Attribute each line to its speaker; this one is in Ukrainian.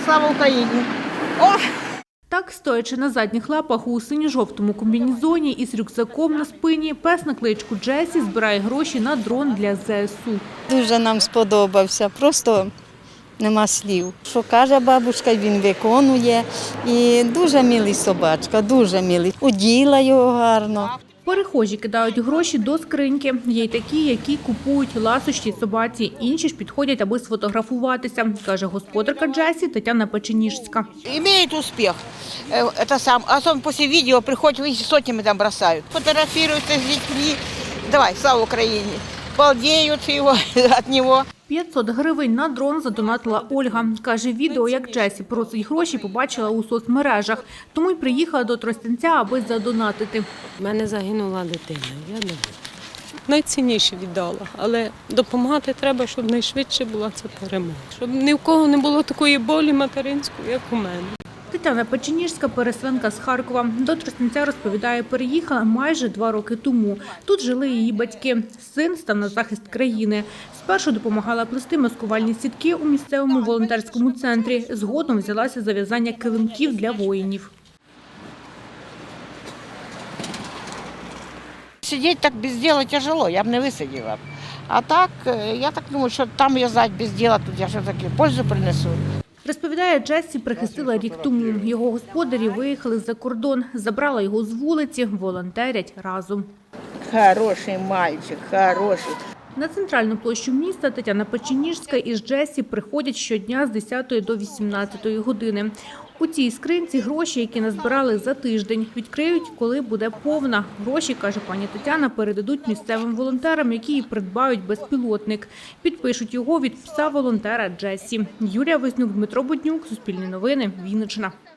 Speaker 1: Слава Україні!
Speaker 2: Так, стоячи на задніх лапах у синьо-жовтому комбінезоні із рюкзаком на спині, пес на кличку Джесі збирає гроші на дрон для ЗСУ.
Speaker 3: Дуже нам сподобався, просто нема слів. Що каже бабушка, він виконує. І дуже милий собачка, дуже милий. Оділа його гарно.
Speaker 2: Перехожі кидають гроші до скриньки. Є й такі, які купують ласощі собаці. Інші ж підходять, аби сфотографуватися, каже господарка Джесі Тетяна Печеніжська.
Speaker 1: Имеет успех. Особенно после видео приходят, видите, сотнями там бросают. Фотографируются с детьми. Давай, слава Украине. Балдеют от него.
Speaker 2: 500 гривень на дрон задонатила Ольга. Каже, відео, як Джесі просить гроші, побачила у соцмережах. Тому й приїхала до Тростянця, аби задонатити.
Speaker 4: У мене загинула дитина, я думаю. Найцінніше віддала, але допомагати треба, щоб найшвидше була ця перемога. Щоб ні в кого не було такої болі материнської, як у мене.
Speaker 2: Тетяна Печеніжська, переселенка з Харкова. До Тростянця, розповідає, переїхала майже 2 роки тому. Тут жили її батьки. Син став на захист країни. Спершу допомагала плести маскувальні сітки у місцевому волонтерському центрі. Згодом взялася за в'язання килимків для воїнів.
Speaker 1: Сидеть так без дела тяжело, я б не висиділа. А так, я так думаю, що там в'язати без дела, тут я все-таки пользу принесу.
Speaker 2: Розповідає, Джесі прихистила рік тому. Його господарі виїхали за кордон. Забрала його з вулиці, волонтерять разом.
Speaker 1: Хороший мальчик, хороший.
Speaker 2: На центральну площу міста Тетяна Печеніжська із Джесі приходять щодня з 10 до 18 години. У цій скринці гроші, які назбирали за тиждень, відкриють, коли буде повна. Гроші, каже пані Тетяна, передадуть місцевим волонтерам, які і придбають безпілотник. Підпишуть його від пса волонтера Джесі. Юлія Вознюк, Дмитро Буднюк, Суспільне новини, Вінниччина.